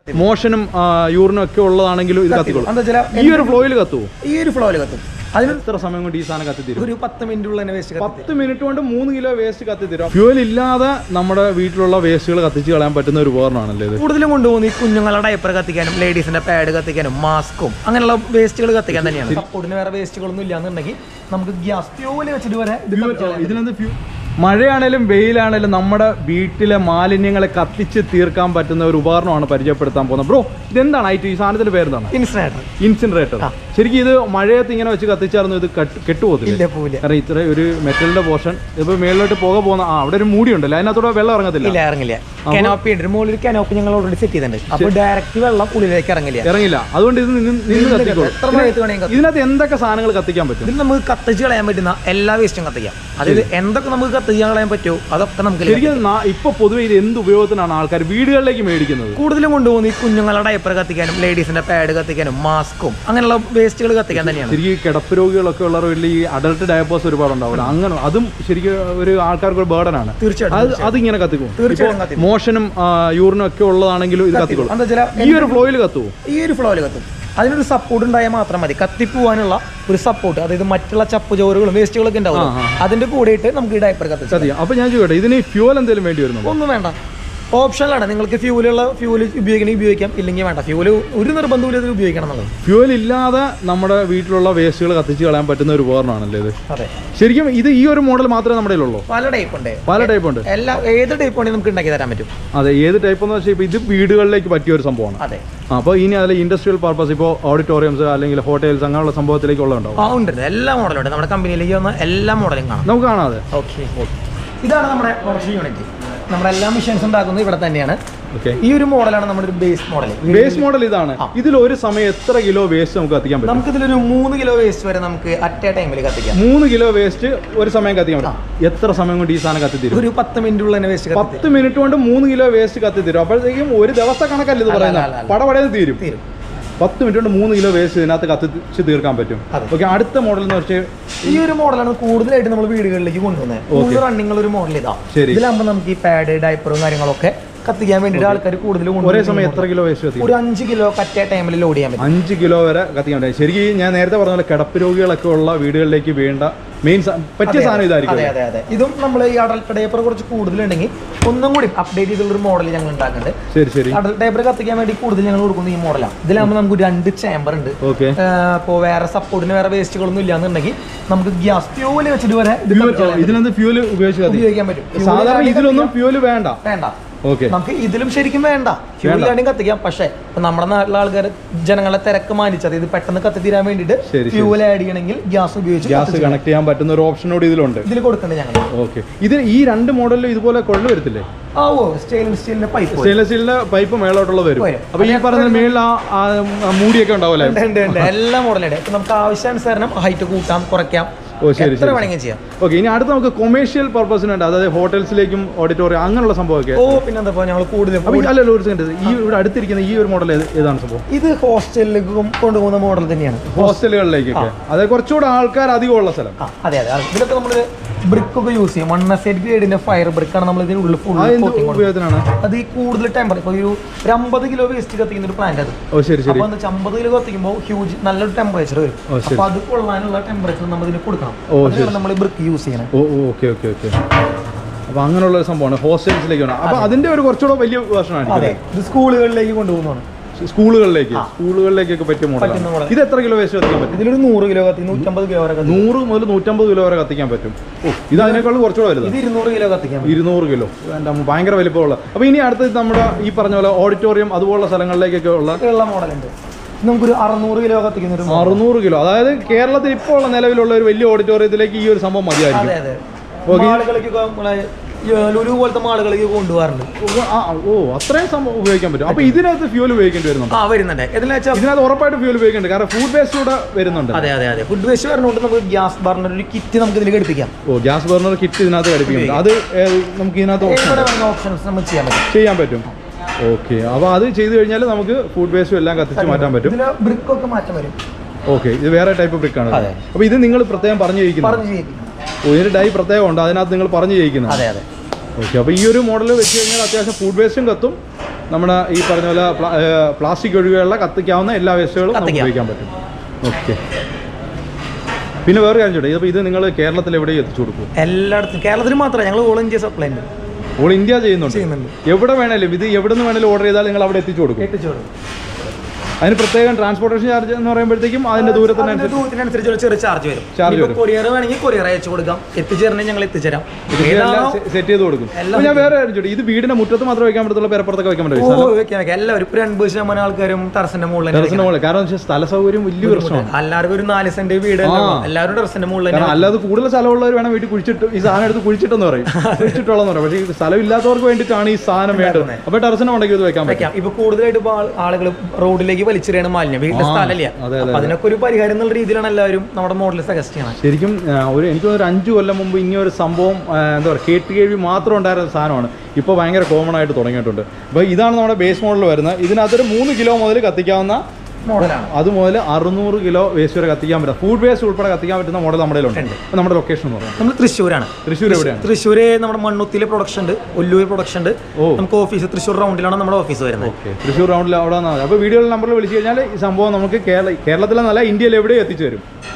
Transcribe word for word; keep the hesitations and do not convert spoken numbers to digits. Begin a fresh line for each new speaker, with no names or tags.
മോഷനും യൂറിനും ഒക്കെ ഉള്ളതാണെങ്കിലും ഇത് കത്തിക്കോളും. ഈ ഒരു ഫ്ലോയിൽ കത്തുവോ?
ഈ ഒരു ഫ്ലോയിൽ കത്തും.
അതിന് എത്ര സമയം കൊണ്ട് ഈ സാധനം കത്തിത്തരും?
ഒരു പത്ത് മിനിറ്റുള്ള വേസ്റ്റ്
പത്ത് മിനിറ്റ് കൊണ്ട് മൂന്ന് കിലോ വേസ്റ്റ് കത്തിത്തരും. ഫ്യൂൽ ഇല്ലാതെ നമ്മുടെ വീട്ടിലുള്ള വേസ്റ്റുകൾ കത്തിച്ച് കളയാൻ പറ്റുന്ന ഒരു ഉപകരണമാണല്ലേ ഇത്?
കൂടുതലും കൊണ്ടുപോകുന്ന ഈ കുഞ്ഞുങ്ങളുടെ ഡയപ്പർ കത്തിക്കാനും ലേഡീസിന്റെ പാഡ് കത്തിക്കാനും മാസ്കും അങ്ങനെയുള്ള വേസ്റ്റുകൾ കത്തിക്കാൻ തന്നെയാണ്. സപ്പോർട്ടിന് വേറെ വേസ്റ്റുകളൊന്നും ഇല്ലാന്നുണ്ടെങ്കിൽ നമുക്ക് ഗ്യാസ് ഫ്യൂല് വെച്ചിട്ട് വരെ
ഇതിനെന്ത് ഫ്യൂ മഴയാണേലും വെയിലാണേലും നമ്മുടെ വീട്ടിലെ മാലിന്യങ്ങളെ കത്തിച്ച് തീർക്കാൻ പറ്റുന്ന ഒരു ഉപകരണമാണ് പരിചയപ്പെടുത്താൻ പോകുന്നത്. ബ്രോ, ഇതെന്താണ് ഐറ്റം? ഈ സാധനത്തിന്റെ പേരെന്താണ്?
ഇൻസിനറേറ്റർ.
ഇൻസിനറേറ്റർ. ശരിക്കും ഇത് മഴയത്ത് ഇങ്ങനെ വെച്ച് കത്തിച്ചായിരുന്നു ഇത് കെട്ടുപോകത്തില്ല? കാരണം ഇത്ര ഒരു മെറ്റലിന്റെ പോർഷൻ ഇപ്പൊ മേളിലോട്ട് പോക പോകുന്ന ആ അവിടെ ഒരു മൂടി ഉണ്ടല്ലോ, അതിനകത്തൂടെ വെള്ളം ഇറങ്ങത്തില്ല.
ഇറങ്ങില്ല. കനോപ്പി ഉണ്ട്, മുകളിൽ കനോപ്പി ഞങ്ങൾ ഓൾറെഡി സെറ്റ് ചെയ്തിട്ടുണ്ട്. അപ്പോൾ ഡയറക്റ്റ് വെള്ളം ഉള്ളിലേക്ക് ഇറങ്ങില്ല
ഇറങ്ങില്ല അതുകൊണ്ട് ഇത് നിന്ന് കത്തിക്കോളും. ഇതിനകത്ത് എന്തൊക്കെ സാധനങ്ങൾ കത്തിക്കാൻ പറ്റും?
ഇതിൽ നമുക്ക് കത്തിച്ച് കളയാൻ പറ്റുന്ന എല്ലാ വേസ്റ്റും കത്തിക്കാം. അതായത് എന്തൊക്കെ നമുക്ക് കത്തിക്കാൻ കളയാൻ പറ്റുമോ അതൊക്കെ നമുക്ക്.
ശരിക്കും ഇപ്പൊ പൊതുവെ ഇത് എന്ത് ഉപയോഗത്തിനാണ് ആൾക്കാർ വീടുകളിലേക്ക് മേടിക്കുന്നത്?
കൂടുതലും കൊണ്ടുപോകുന്ന ഈ കുഞ്ഞുങ്ങളുടെ ഡയപ്പർ കത്തിക്കാനും ലേഡീസിന്റെ പാഡ് കത്തിക്കാനും മാസ്കും അങ്ങനെയുള്ള വേസ്റ്റുകൾ കത്തിക്കാൻ തന്നെയാണ്.
ശരിക്കും കിടപ്പ് രോഗികളൊക്കെ ഉള്ള വീട്ടിൽ ഈ അഡൽട്ട് ഡയപ്പേഴ്സ് ഒരുപാട് ഉണ്ടാവില്ല, അങ്ങനെ അതും ശരിക്കും ഒരു ആൾക്കാർക്ക് ഒരു ബേർഡനാണ്.
തീർച്ചയായിട്ടും
അതിങ്ങനെ കത്തിക്കും. മോഷനും യൂറിനും ഒക്കെ ഉള്ളതാണെങ്കിലും ഇത് കത്തിക്കോളും. ഈ ഒരു ഫ്ലോയിൽ കത്തുവോ? ഈ
ഒരു ഫ്ലോയിൽ കത്തും. അതിനൊരു സപ്പോർട്ട് ഉണ്ടായാൽ മാത്രം മതി. കത്തിപ്പോവാനുള്ള ഒരു സപ്പോർട്ട്, അതായത് മറ്റുള്ള ചപ്പ് ചോറുകളും വേസ്റ്റുകളൊക്കെ ഉണ്ടാവും, അതിന്റെ കൂടെയിട്ട് നമുക്ക് ഈ ഡയപ്പർ കത്തിക്കാം.
അപ്പൊ ഞാൻ ചോദിക്കട്ടെ, ഇതിന് ഫ്യൂൽ എന്തെങ്കിലും വേണ്ടി വരുന്നു?
ഒന്നും വേണ്ട, ഓപ്ഷനിലാണ്. നിങ്ങൾക്ക് ഫ്യൂലുള്ള ഫ്യൂല് ഉപയോഗിക്കണമെങ്കിൽ ഉപയോഗിക്കാം, ഇല്ലെങ്കിൽ വേണ്ട. ഫ്യൂല് ഒരു നിർബന്ധമില്ല ഇത് ഉപയോഗിക്കണം എന്നുള്ളത്.
ഫ്യൂൽ ഇല്ലാതെ നമ്മുടെ വീട്ടിലുള്ള വേസ്റ്റുകൾ കത്തിച്ച് കളയാൻ പറ്റുന്ന ഒരു ഉപകരണമാണല്ലേ ഇത്?
അതെ.
ശരിക്കും ഇത് ഈ ഒരു മോഡൽ മാത്രമേ നമ്മുടെ ഉള്ളൂ?
പല ടൈപ്പ് ഉണ്ട്.
പല ടൈപ്പ് ഉണ്ട്.
എല്ലാ ഏത് ടൈപ്പ് വേണമെങ്കിൽ നമുക്ക് ഉണ്ടാക്കി തരാൻ പറ്റും.
അതെ, ഏത് ടൈപ്പ് എന്ന് വെച്ചാൽ ഇത് വീടുകളിലേക്ക് പറ്റിയ ഒരു സംഭവമാണ്.
അതെ.
അപ്പോൾ ഇനി അതിൽ ഇൻഡസ്ട്രിയൽ പർപ്പസ്, ഇപ്പോൾ ഓഡിറ്റോറിയംസ് അല്ലെങ്കിൽ ഹോട്ടൽസ് അങ്ങനെയുള്ള സംഭവത്തിലേക്ക് ഉള്ളതുണ്ടാവും.
ആ ഉണ്ട്, എല്ലാ മോഡലും ഉണ്ട്. നമ്മുടെ കമ്പനിയിലേക്ക് വന്ന എല്ലാ മോഡലും കാണാം, നമുക്ക്
കാണാതെ.
ഓക്കെ. ഇതാണ് നമ്മുടെ പ്രൊഡക്ഷൻ യൂണിറ്റ്. നമ്മുടെ എല്ലാ മെഷീൻസ് ഉണ്ടാക്കുന്നത് ഇവിടെ തന്നെയാണ്. ഈ ഒരു മോഡലാണ് നമ്മുടെ ഒരു ബേസ് മോഡൽ.
ബേസ് മോഡൽ ഇതാണ്. ഇതിൽ ഒരു സമയം എത്ര കിലോ വേസ്റ്റ് നമുക്ക് കത്തിക്കാൻ പറ്റും?
നമുക്ക് ഇതിലൊരു മൂന്ന് കിലോ വേസ്റ്റ് വരെ നമുക്ക് അറ്റ് എ ടൈമിൽ കത്തിക്കാം.
മൂന്ന് കിലോ വേസ്റ്റ് ഒരു സമയം കത്തിക്കാൻ പറ്റും. എത്ര സമയം കൊണ്ട് ഈ സാധനം കത്തിത്തരും?
ഒരു പത്ത് മിനിറ്റുള്ള വേസ്റ്റ്.
പത്ത് മിനിറ്റ് കൊണ്ട് മൂന്ന് കിലോ വേസ്റ്റ് കത്തിത്തരും. അപ്പോഴത്തേക്കും ഒരു ദിവസ കണക്കല്ല ഇത് പറയുന്നത്, പടപടയിൽ തീരും. പത്ത് മിനിറ്റ് കൊണ്ട് മൂന്ന് കിലോ വേസ്റ്റ് ഇതിനകത്ത് കത്തിച്ച് തീർക്കാൻ പറ്റും. ഓക്കെ, അടുത്ത മോഡൽ എന്ന് വെച്ചാൽ
ഈ ഒരു മോഡലാണ് കൂടുതലായിട്ട് നമ്മൾ വീടുകളിലേക്ക് കൊണ്ടുവന്നത്. റണ്ണിങ് ഒരു മോഡൽ ഇതാ. ഇതിലാകുമ്പോൾ നമുക്ക് ഈ പാഡ് ഡയപ്പറും കാര്യങ്ങളൊക്കെ കത്തിക്കാൻ വേണ്ടിയിട്ട് ആൾക്കാർ കൂടുതലും
ഒരേ സമയം എത്ര കിലോ വേസ്റ്റ് കത്തിക്കും?
ഒരു അഞ്ച് കിലോ കറ്റ ടൈമിൽ ലോഡ് ചെയ്യാൻ പറ്റും.
അഞ്ച് കിലോ വരെ കത്തിക്കാൻ പറ്റും. ശരിക്കും ഞാൻ നേരത്തെ പറഞ്ഞ പോലെ കിടപ്പ് രോഗികളൊക്കെ ഉള്ള വീടുകളിലേക്ക് വേണ്ട മെയിൻ പറ്റിയ സാധനം ഇതായിരിക്കും.
അതെ അതെ അതെ. ഇതും നമ്മൾ ഈ അഡൽട്ട് ഡയപ്പർ കുറച്ച് കൂടുതലുണ്ടെങ്കിൽ ഒന്നും കൂടി അപ്ഡേറ്റ് ചെയ്തുള്ളൊരു മോഡൽ ഞങ്ങൾ ഉണ്ടാക്കുന്നുണ്ട്.
ശരി ശരി.
അഡൽട്ട് ഡയപ്പർ കത്തിക്കാൻ വേണ്ടി കൂടുതൽ ഞങ്ങൾ കൊടുക്കുന്ന ഈ മോഡലാണ്. ഇതിലാകുമ്പോൾ നമുക്ക് രണ്ട് ചേമ്പർ ഉണ്ട്.
ഓക്കെ.
ഇപ്പോൾ വേറെ സപ്പോർട്ടിന് വേറെ വേസ്റ്റുകളൊന്നും ഇല്ലാന്നുണ്ടെങ്കിൽ നമുക്ക് ഗ്യാസ് ഫ്യൂല് വെച്ചിട്ട് വരെ
ഇതിനകത്ത് ഫ്യൂല്
ഉപയോഗിക്കാൻ പറ്റും.
സാധാരണ ഇതിലൊന്നും ഫ്യൂല് വേണ്ട
വേണ്ട
ഓക്കെ.
നമുക്ക് ഇതിലും ശരിക്കും വേണ്ട, ഫ്യൂലാണെങ്കിൽ കത്തിക്കാം. പക്ഷേ ഇപ്പൊ നമ്മുടെ നാട്ടിലെ ആൾക്കാർ ജനങ്ങളെ തിരക്ക് മാനിച്ചത് ഇത് പെട്ടെന്ന് കത്തി തീരാൻ വേണ്ടിയിട്ട് ഫ്യൂൽ ആഡ് ചെയ്യണമെങ്കിൽ ഗ്യാസ് ഉപയോഗിച്ച്
ഗ്യാസ് കണക്ട് ചെയ്യാൻ പറ്റുന്ന ഒരു ഓപ്ഷനോട് ഇതിലുണ്ട്.
ഇതിൽ കൊടുക്കണ്ടേ ഞങ്ങൾ.
ഓക്കെ. ഇത് ഈ രണ്ട് മോഡലിലും ഇതുപോലെ കൊള്ളു വരത്തില്ലേ?
ആ ഓ, സ്റ്റെയിൻലെസ് സ്റ്റീലിന്റെ പൈപ്പ്
സ്റ്റെയിൻലെസ് സ്റ്റീലിന്റെ പൈപ്പ് മേളോട്ടുള്ള വരും. അപ്പൊ ഈ പറഞ്ഞ മേളിൽ ആ മൂടിയൊക്കെ ഉണ്ടാവില്ലേ?
എല്ലാ മോഡലുണ്ട്. ഇപ്പൊ നമുക്ക് ആവശ്യാനുസരണം ഹൈറ്റ് കൂട്ടാം കുറയ്ക്കാം.
ഓ ശരി ശരി. ഓക്കെ, ഇനി അടുത്ത് നമുക്ക് കൊമേഴ്ഷ്യൽ പർപ്പസിനുണ്ട്, അതായത് ഹോട്ടൽസിലേക്കും ഓഡിറ്റോറിയം അങ്ങനെയുള്ള സംഭവമൊക്കെ.
ഓ പിന്നെന്താ ഞങ്ങൾ കൂടുതലും.
അല്ലല്ലോ, ഒരു സെക്കൻഡ്, ഈ ഇവിടെ അടുത്തിരിക്കുന്ന ഈ ഒരു മോഡൽ ഏതാണ് സംഭവം?
ഇത് ഹോസ്റ്റലിലേക്കും കൊണ്ടുപോകുന്ന മോഡൽ തന്നെയാണ്.
ഹോസ്റ്റലുകളിലേക്കൊക്കെ, അതായത് കുറച്ചുകൂടെ ആൾക്കാർ അധികം ഉള്ള സ്ഥലം.
അതെ അതെ. ഇതിലൊക്കെ നമ്മള് ബ്രിക്ക് ഒക്കെ യൂസ് ചെയ്യും. വൺ എസൈഡ് ഗ്രേഡിന്റെ ഫയർ ബ്രിക്കാണ് നമ്മൾ ഇതിനുള്ളിൽ ഫുൾ
ഉപയോഗത്തിനാണ്.
അത് ഈ കൂടുതൽ ടെമ്പർ ഇപ്പൊ ഒരു അമ്പത് കിലോ വേസ്റ്റ് കത്തിക്കുന്ന ഒരു പ്ലാന്റ് അത്.
ഓ ശരി ശരി.
അപ്പൊ അമ്പത് കിലോ കത്തിക്കുമ്പോൾ ഹ്യൂജ് നല്ലൊരു ടെമ്പറേച്ചർ വരും. അപ്പൊ അത് കൊള്ളാനുള്ള ടെമ്പറേച്ചർ നമ്മൾ ഇതിന് കൊടുക്കണം. നമ്മൾ ബ്രിക്ക് യൂസ് ചെയ്യണം.
Oh okay okay okay. അപ്പൊ അങ്ങനെയുള്ള ഒരു സംഭവമാണ് ഹോസ്റ്റൽസിലേക്ക്. അപ്പൊ അതിന്റെ ഒരു കുറച്ചുകൂടെ വലിയ വേർഷനാണ്.
അതെ, ഇത് സ്കൂളുകളിലേക്ക് കൊണ്ടുപോകുന്നതാണ്.
സ്കൂളുകളിലേക്ക് സ്കൂളുകളിലേക്കൊക്കെ പറ്റിയ മോഡലാണ്. ഇത് എത്ര കിലോ വേസ്റ്റ് കത്തിക്കാൻ പറ്റും?
ഇതിലൊരു നൂറ് കിലോ കത്തി നൂറ്റമ്പത് കിലോ വരെ
നൂറ് മുതൽ നൂറ്റമ്പത് കിലോ വരെ കത്തിക്കാൻ പറ്റും. ഓ, ഇത് അതിനേക്കാളും കുറച്ചുകൂടെ വരുന്നത്.
ഇത് ഇരുന്നൂറ് കിലോ കത്തിക്കാൻ.
ഇരുന്നൂറ് കിലോ ഭയങ്കര വലിപ്പമുള്ള. അപ്പൊ ഇനി അടുത്ത് നമ്മുടെ ഈ പറഞ്ഞ പോലെ ഓഡിറ്റോറിയം അതുപോലുള്ള സ്ഥലങ്ങളിലേക്കൊക്കെ ഉള്ള
മോഡലുണ്ട്. നമുക്കൊരു അറുന്നൂറ് കിലോ കത്തിക്കുന്ന ഒരു
അറുന്നൂറ് കിലോ അതായത് കേരളത്തിൽ ഇപ്പോൾ ഉള്ള നിലവിലുള്ള ഒരു വലിയ ഓഡിറ്റോറിയത്തിലേക്ക് ഈ ഒരു സംഭവം മതിയായിരിക്കും.
ലുലു പോലത്തെ മാളുകളിലേക്ക് കൊണ്ടുപോകാറുണ്ട്.
ഓ, അത്രയും സംഭവം ഉപയോഗിക്കാൻ പറ്റും. അപ്പൊ ഇതിനകത്ത് ഫ്യൂൽ ഉപയോഗിക്കേണ്ടി വരുന്നുണ്ട്?
ആ വരുന്നുണ്ട്.
ഇതിനകത്ത് ഉറപ്പായിട്ട് ഫ്യൂൽ ഉപയോഗിക്കുന്നുണ്ട്, കാരണം ഫുഡ് വേസ്റ്റ് കൂടെ വരുന്നുണ്ട്.
അതെ അതെ അതെ. ഫുഡ് വേസ്റ്റ് വരുന്നതുകൊണ്ട് നമുക്ക് ഗ്യാസ് ബർണർ ഒരു കിറ്റ് നമുക്ക് ഇതിൽ ഘടിപ്പിക്കാം.
ഓ, ഗ്യാസ് ബർണർ കിറ്റ് ഇതിനകത്ത് ഘടിപ്പിക്കും. അത് നമുക്ക് ഇതിനകത്ത്
ഓപ്ഷൻസ് നമുക്ക് ചെയ്യാൻ പറ്റും
ചെയ്യാൻ പറ്റും ഓക്കെ. അപ്പൊ അത് ചെയ്ത് കഴിഞ്ഞാൽ നമുക്ക് ഫുഡ് വേസ്റ്റും എല്ലാം കത്തിച്ച് മാറ്റാൻ പറ്റും.
ബ്രിക്ക് ഒക്കെ മാറ്റം വരും.
ഓക്കെ, ഇത് വേറെ ടൈപ്പ് ബ്രിക്കാണ്. അപ്പൊ ഇത് നിങ്ങൾ പ്രത്യേകം പറഞ്ഞു ചെയ്യിക്കുന്നത്? ഓ, ഇതിന് ഡൈ പ്രത്യേകം ഉണ്ട്, അതിനകത്ത് നിങ്ങൾ പറഞ്ഞു ചെയ്യിക്കുന്നത്?
അതെ അതെ.
ഓക്കെ. അപ്പോൾ ഈ ഒരു മോഡൽ വെച്ച് കഴിഞ്ഞാൽ അത്യാവശ്യം ഫുഡ് വേസ്റ്റും കത്തും, നമ്മുടെ ഈ പറഞ്ഞ പോലെ പ്ലാസ്റ്റിക് ഒഴികെയുള്ള കത്തിക്കാവുന്ന എല്ലാ വേസ്റ്റുകളും നമുക്ക് ഉപയോഗിക്കാൻ പറ്റും. ഓക്കെ. പിന്നെ വേറെ കാര്യം ചോട്ടെ, അപ്പോൾ ഇത് നിങ്ങൾ കേരളത്തിൽ എവിടെയും എത്തിച്ചു കൊടുക്കും?
എല്ലായിടത്തും. കേരളത്തിൽ മാത്രമേ ഞങ്ങൾ ഓൾ ഇന്ത്യ സപ്ലൈ ഉണ്ട്.
ഓൾ ഇന്ത്യ ചെയ്യുന്നുണ്ട്. എവിടെ വേണേലും ഇത് എവിടെ നിന്ന് വേണേലും ഓർഡർ ചെയ്താൽ നിങ്ങൾ അവിടെ എത്തിച്ചു കൊടുക്കും?
എത്തിച്ചു കൊടുക്കും.
അതിന് പ്രത്യേകം ട്രാൻസ്പോർട്ടേഷൻ ചാർജ് എന്ന് പറയുമ്പോഴത്തേക്കും അതിന്റെ
ദൂരത്തിനനുസരിച്ച് ചെറിയ ചാർജ് വരും. ചാർജ് വരും. കൊറിയർ വേണമെങ്കിൽ കൊറിയർ അയച്ചു കൊടുക്കാം, എത്തിച്ചേരണമെങ്കിൽ ഞങ്ങൾ എത്തിച്ചേരാം,
സെറ്റ് ചെയ്ത് കൊടുക്കും. ഞാൻ വേറെ കാര്യം, ഇത് വീടിന്റെ മുറ്റത്ത് മാത്രമേ വെക്കാൻ പറ്റത്തുള്ളൂ, പേരപ്പുറത്തൊക്കെ വെക്കാൻ പറ്റും?
വെക്കാൻ എല്ലാവരും ഒരു അൻപത് ശതമാനം ആൾക്കാരും ടെറസിന്റെ മുകളിൽ.
ടെറസിന്റെ മുകളിൽ കാരണം സ്ഥല സൗകര്യം വലിയ പ്രശ്നമാണ്.
എല്ലാവർക്കും ഒരു നാല് സെന്റ് വീട്, എല്ലാവരും ടെറസിന്റെ മുകളിൽ.
അല്ലാതെ കൂടുതൽ സ്ഥലമുള്ളവർ വേണം വീട്ടിൽ കുഴിച്ചിട്ട് ഈ സാധനം എടുത്ത് കുഴിച്ചിട്ടെന്ന് പറയും, കുഴിച്ചിട്ടുള്ളതെന്ന് പറയും. പക്ഷേ ഈ സ്ഥലം ഇല്ലാത്തവർക്ക് വേണ്ടിയിട്ടാണ് ഈ സാധനം വേണ്ടത്. അപ്പൊ ടെറസിന് ഉണ്ടെങ്കിൽ ഇത് വെക്കാൻ പറ്റും.
ഇപ്പൊ കൂടുതലായിട്ട് ആളുകൾ റോഡിലേക്ക് വലിച്ചെറിയാണ് മാലിന്യം, വീട്ടിലെ സ്ഥലമില്ല. അതിനൊക്കെ ഒരു പരിഹാരം എന്നുള്ള രീതിയിലാണ് എല്ലാവരും നമ്മുടെ മോഡൽ സജസ്റ്റ് ചെയ്യണം.
ശരിക്കും ഒരു എനിക്ക് ഒരു അഞ്ചു കൊല്ലം മുമ്പ് ഇങ്ങനെ ഒരു സംഭവം എന്താ പറയുക കേട്ട് കേൾവി മാത്രം ഉണ്ടായിരുന്ന സാധനമാണ്. ഇപ്പോൾ ഭയങ്കര കോമൺ ആയിട്ട് തുടങ്ങിയിട്ടുണ്ട്. അപ്പോൾ ഇതാണ് നമ്മുടെ ബേസ് മോഡൽ വരുന്നത്. ഇതിനകത്തൊരു മൂന്ന് കിലോ മുതൽ കത്തിക്കാവുന്ന
മോഡലാണ്.
അതുമുതൽ അറുന്നൂറ് കിലോ വേസ്റ്റ് വരെ കത്തിക്കാൻ പറ്റും. ഫുഡ് വേസ്റ്റ് ഉൾപ്പെടെ കത്തിക്കാൻ പറ്റുന്ന മോഡൽ നമ്മുടെ ഉണ്ട്. അപ്പോൾ നമ്മുടെ ലൊക്കേഷൻ എന്ന് പറയുന്നത്
നമ്മൾ തൃശ്ശൂരാണ്.
തൃശ്ശൂർ എവിടെയാണ്?
തൃശ്ശൂർ നമ്മുടെ മണ്ണുത്തിയിലെ പ്രൊഡക്ഷൻ ഉണ്ട്, ഒല്ലൂർ പ്രൊഡക്ഷൻ ഉണ്ട്. നമുക്ക് ഓഫീസ് തൃശ്ശൂർ റൗണ്ടിലാണ് നമ്മുടെ ഓഫീസ് വരുന്നത്.
ഓക്കെ, തൃശ്ശൂർ റൗണ്ടിൽ അവിടെ. അപ്പോൾ വീഡിയോയിൽ നമ്പറിൽ വിളിച്ചു കഴിഞ്ഞാൽ ഈ സംഭവം നമുക്ക് കേരള കേരളത്തിലെ നല്ല ഇന്ത്യയിൽ എവിടെയും എത്തിച്ചു തരും.